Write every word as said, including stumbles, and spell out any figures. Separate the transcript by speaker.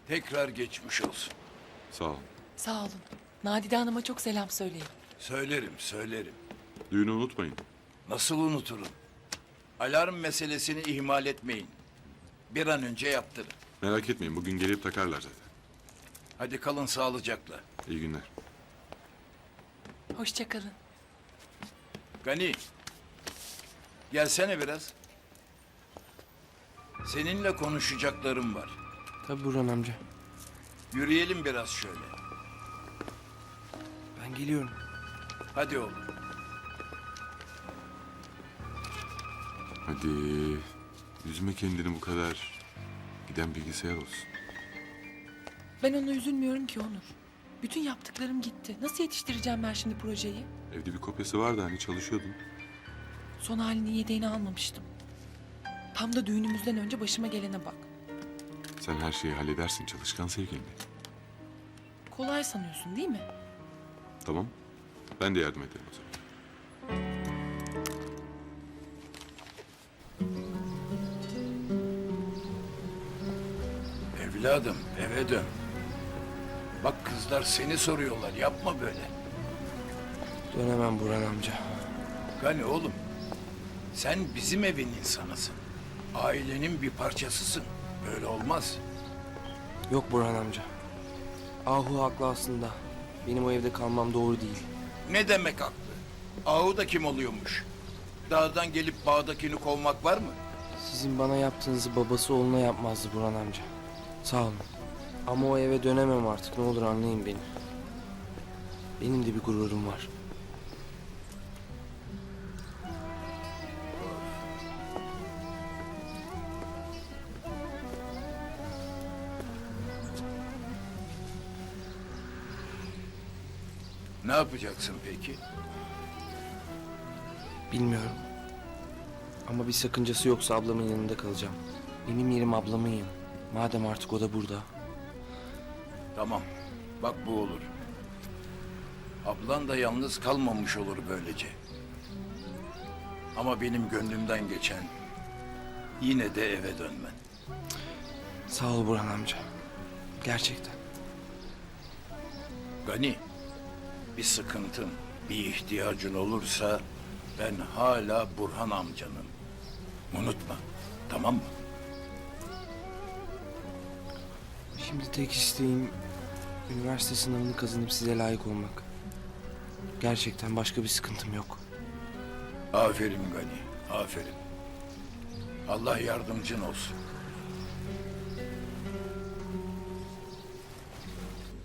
Speaker 1: Tekrar geçmiş olsun.
Speaker 2: Sağ ol.
Speaker 3: Sağ olun. Nadide Hanım'a çok selam söyleyin.
Speaker 1: Söylerim, söylerim.
Speaker 2: Düğünü unutmayın.
Speaker 1: Nasıl unuturum? Alarm meselesini ihmal etmeyin. Bir an önce yaptırın.
Speaker 2: Merak etmeyin, bugün gelip takarlar zaten.
Speaker 1: Hadi kalın sağlıcakla.
Speaker 2: İyi günler.
Speaker 3: Hoşça kalın.
Speaker 1: Gani, gelsene biraz. Seninle konuşacaklarım var.
Speaker 4: Tabii Burhan amca.
Speaker 1: Yürüyelim biraz şöyle.
Speaker 4: Ben geliyorum.
Speaker 1: Hadi oğlum.
Speaker 2: Hadi. Üzme kendini bu kadar. Giden bilgisayar olsun.
Speaker 3: Ben ona üzülmüyorum ki Onur. Bütün yaptıklarım gitti. Nasıl yetiştireceğim ben şimdi projeyi?
Speaker 2: Evde bir kopyası vardı hani çalışıyordun.
Speaker 3: Son halini yedeğini almamıştım. Tam da düğünümüzden önce başıma gelene bak.
Speaker 2: Sen her şeyi halledersin çalışkan sevgilimle.
Speaker 3: Kolay sanıyorsun değil mi?
Speaker 2: Tamam. Ben de yardım ederim o zaman.
Speaker 1: Evladım, eve dön. Bak kızlar seni soruyorlar, yapma böyle.
Speaker 4: Dönemem Burhan amca.
Speaker 1: Gani oğlum, sen bizim evin insanısın. Ailenin bir parçasısın. Böyle olmaz.
Speaker 4: Yok Burhan amca. Ahu haklı aslında. Benim o evde kalmam doğru değil.
Speaker 1: Ne demek haklı? Ahu da kim oluyormuş? Dağdan gelip bağdakini kovmak var mı?
Speaker 4: Sizin bana yaptığınızı babası oğluna yapmazdı Burhan amca. Sağ olun. Ama o eve dönemem artık. Ne olur anlayın beni. Benim de bir gururum var.
Speaker 1: Ne yapacaksın peki?
Speaker 4: Bilmiyorum. Ama bir sakıncası yoksa ablamın yanında kalacağım. Benim yerim ablamın yanı. Madem artık o da burada.
Speaker 1: Tamam, bak bu olur. Ablan da yalnız kalmamış olur böylece. Ama benim gönlümden geçen yine de eve dönmen.
Speaker 4: Sağ ol Burhan amca. Gerçekten.
Speaker 1: Gani, bir sıkıntın, bir ihtiyacın olursa ben hala Burhan amcanım. Unutma, tamam mı?
Speaker 4: Şimdi tek isteğim üniversite sınavını kazanıp size layık olmak. Gerçekten başka bir sıkıntım yok.
Speaker 1: Aferin Gani, aferin. Allah yardımcın olsun.